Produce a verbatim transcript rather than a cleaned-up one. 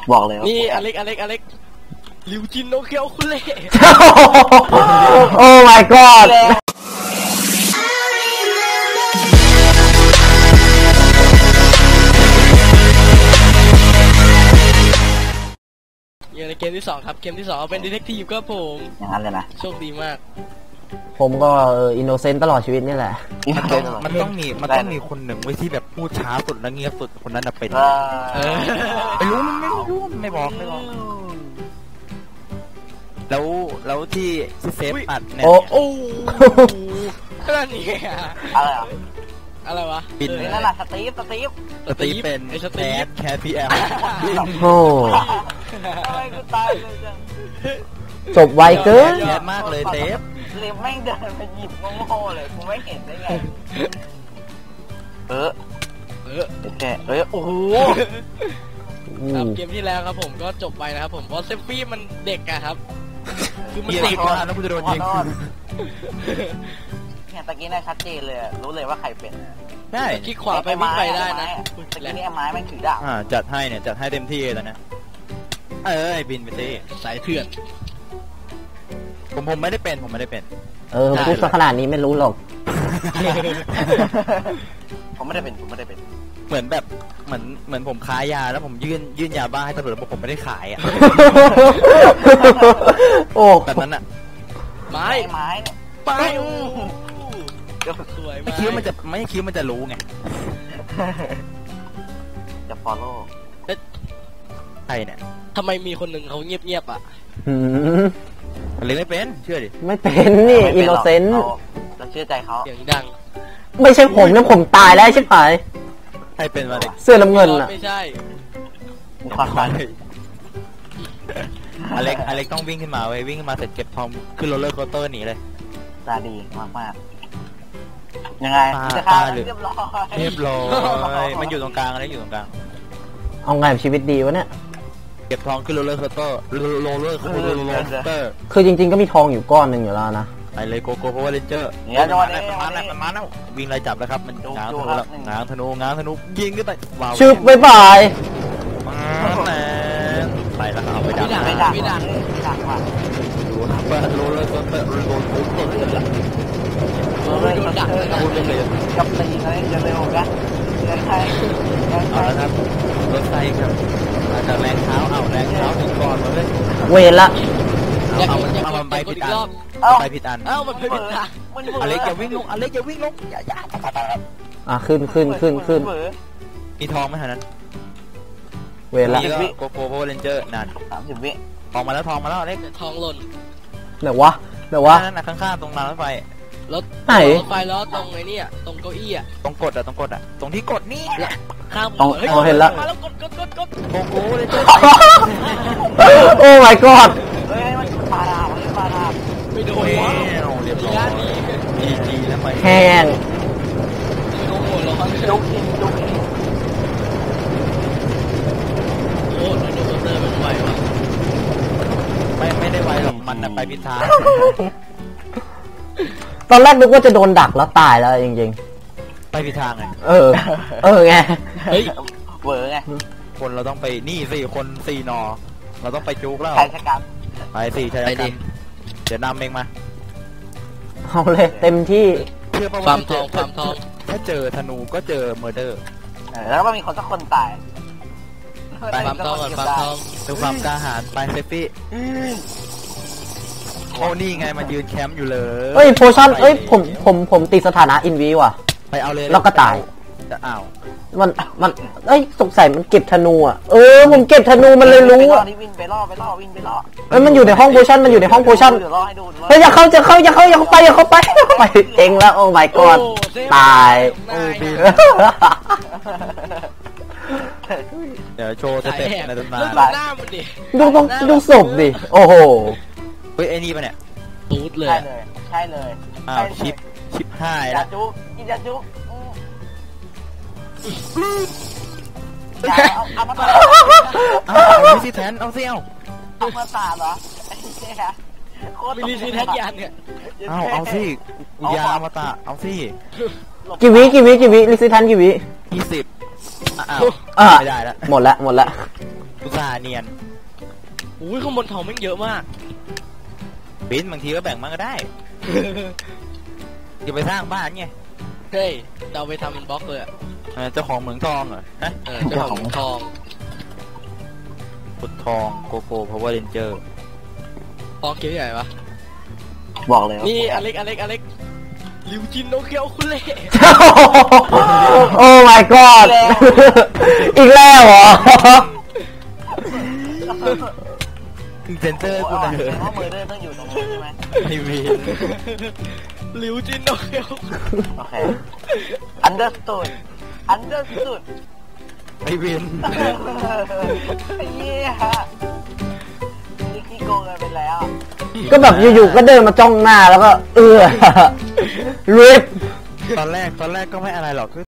บอกเลยนี่อเล็กอเล็กอเล็กลิวจินโนเคียวคุเล่โอ้ my god อย่างในเกมที่สองครับเกมที่สองเป็นดีเทคทีฟครับผมอย่างนั้นเลยนะโชคดีมากผมก็อินโนเซนต์ตลอดชีวิตนี่แหละมันต้องมีมันต้องมีคนหนึ่งไว้ที่แบบพูดช้าสุดและเงียบสุดคนนั้นเป็นไม่รู้มันไม่รู้ไม่บอกไม่บอกแล้วแล้วที่ที่เซฟอัดเนี่ยโอ้อะไรนี่อะไรอ่ะอะไรวะบินนั่นแหละสตีฟสตีฟสตีฟเป็นสตีฟแคทพีแอลโอ้กูตายเลยจังจบไวเกินแย่มากเลยเซฟเลมแม่งเดินไปหยิบโง่ๆเลยกูไม่เห็นได้ไงเออเออแกเออโอ้โหครับเกมที่แล้วครับผมก็จบไปนะครับผมเพราะเซฟฟี่มันเด็กอะครับคือมันเด็กนะแล้วกูจะโดนยิงเนี่ยตะกี้น่าชัดเจนเลยรู้เลยว่าใครเป็นใช่คลิกขวาไปวิ่งไปได้นะตะกี้นี่ไม้แม่งถือดาบอ่าจัดให้เนี่ยจัดให้เต็มที่เลยนะเอ้ยบินไปสิสายเถื่อนผมผมไม่ได้เป็นผมไม่ได้เป็นเออพูดขนาดนี้ไม่รู้หรอกผมไม่ได้เป็นผมไม่ได้เป็นเหมือนแบบเหมือนเหมือนผมค้ายาแล้วผมยื่นยื่นยาบ้าให้ตำรวจบอกผมไม่ได้ขายอ่ะโอ้แบบนั้นอ่ะไม้ไม้ไปสวยไม่คิดว่ามันจะไม่คิดว่ามันจะรู้ไงจะ follow ใครเนี่ยทำไมมีคนหนึ่งเขาเงียบๆอ่ะอะไรไม่เป็นเชื่อดิไม่เป็นนี่อินโนเซนต์เราเชื่อใจเขาเสียงดังไม่ใช่ผมนะผมตายแล้วใช่ไหมใครเป็นมาเด็กเสื้อน้ำเงินอ่ะไม่ใช่ความฝันอเล็กอเล็กต้องวิ่งขึ้นมาไว้วิ่งขึ้นมาเสร็จเก็บทองขึ้นโรลเลอร์โคสเตอร์หนีเลยตาดีมากมากยังไงจะฆ่าเรียบร้อยเรียบร้อยมันอยู่ตรงกลางอะไรอยู่ตรงกลางเอาไงชีวิตดีวะเนี่ยเก็บทองขึ้นโรลเลอร์โคสเตอร์โรลเลอร์โรลเลอร์โคสเตอร์คือจริงๆก็มีทองอยู่ก้อนหนึ่งอยู่แล้วนะไปเลยโกโก้เพราะว่าเรนเจอร์เนี่ยจังหวะนี้มันมาแล้วมันมาแล้ววิ่งไล่จับแล้วครับมันง้างธนูแล้วง้างธนูง้างธนูยิงขึ้นไปว้าวชึบบ๊ายบายไปแล้วเอาไปดักไปดักไปดักดักว่ะดูนะเปิดโรลเลอร์โคสเตอร์โรลเลอร์โคสเตอร์เลยล่ะโรลเลอร์โคสเตอร์กับตีอะไรจะเร็วกันยังไงเอาแล้วครับรถไฟครับอาจจะแรงเท้าเอาแรงเท้าถึงก่อนมาเลยเวรละเอาเอามันไปผิดอันไปผิดอันเอ้ามันไปผิดอันอเล็กอย่าวิ่งลงอเล็กอย่าวิ่งลงอย่าอย่าอ่ะขึ้นขึ้นขึ้นขึ้นมีทองไหมฮะนั้นเวรละโกโก้โพเรนเจอร์นั่นสามสิบวิทองมาแล้วทองมาแล้วอเล็กทองหล่นเดี๋ยววะเดี๋ยววะนั่นน่ะข้างๆตรงรางรถไฟรถไหนรถไฟแล้วตรงไอ้นี่อ่ะตรงเก้าอี้อ่ะตรงกดอ่ะตรงกดอ่ะตรงที่กดนี่ข้ามตรงเห็นแล้วมาแล้วกดกดกดกดโกโก้เลยเจ้าโอ้ my god เฮ้ยมันปาดาบมันปาดาบไม่โดนเรียบร้อยจีจีแล้วไปแห้งโอ้โหร้อนจุกจริงจุกจริงโอ้โหโดนเตอร์มันไหววะไม่ไม่ได้ไหวหรอกมันไปพิธาตอนแรกนึกว่าจะโดนดักแล้วตายแล้วจริงๆไปพิธาไงเออเออไงเฮ้ยเวอร์ไงคนเราต้องไปนี่สี่คนสี่นอเราต้องไปจุกแล้วใครชะกันไปสี่ใช่กันเดี๋ยวนำเองมาเอาเลยเต็มที่เชื่อป่าวความทองความทองถ้าเจอธนูก็เจอเมอร์เดอร์แล้วก็มีคนสักคนตายความทองความทองดูความกล้าหาญไปเซฟฟี่โอ้นี่ไงมายืนแคมป์อยู่เลยเฮ้ยโพชั่นเอ้ยผมผมผมติดสถานะอินวีว่ะไปเอาเลยแล้วก็ตายจะอ้าวมันมันเอ้ยสงสัยมันเก็บธนูอ่ะเออผมเก็บธนูมันเลยรู้อ่ะวิ่งไปล่อไปล่อวิ่งไปล่อเอ้ยมันอยู่ในห้องโพชั่นมันอยู่ในห้องโพชั่นเฮ้ยอย่าเข้าอย่าเข้าอย่าเข้าอย่าเข้าไปอย่าเข้าไปไปเองแล้วโอ้ my god ตายโอ้บีเดี๋ยวโชว์สเต็ปในตำนานหน้ามันดิดูต้องดูศพดิโอ้โหเฮ้ยไอ้นี่ปะเนี่ยตูดเลยใช่เลยใช่เลยอ้าวชิปชิปห้าแล้วจุ๊กกินยาจุ๊กเอามาต่อเอาสิแทนเอาสิเอาเอามาต่อเหรอมีลิซิแทนยันเนี่ยเอาเอาสิยามาต่อเอาสิกี่วิกี่วิกี่วิลิซิแทนกี่วิยี่สิบอ้าวไม่ได้แล้วหมดละหมดละรตส่าห์เนียนอุ้ยข้างบนทองแม่งเยอะมากบินบางทีก็แบ่งมันก็ได้จะไปสร้างบ้านไงเฮ้ยเราไปทำเป็นบล็อกเลยอะเออเจ้าของเหมืองทองเหรอฮะเออเจ้าของทองขุดทองโกโก้พาวเวอร์เรนเจอร์ทองเกียวใหญ่ปะบอกเลยนี่อเล็กอเล็กอเล็กลิวจินโนเกียวคุณเล่โอ้ my god อีกแล้วเหรอเซนเซอร์กูกูนะนะเถเออะว่ามือเดินต้องอยู่ตรงนู้นใช่ไหมไม่มีลิวจินโนเกียวโอเค understood understood ไม่วินไอ้เหี้ยนี่ขี้โกงกันไปแล้วก็แบบอยู่ๆก็เดินมาจ้องหน้าแล้วก็ เออริบตอนแรกตอนแรกก็ไม่อะไรหรอกคือ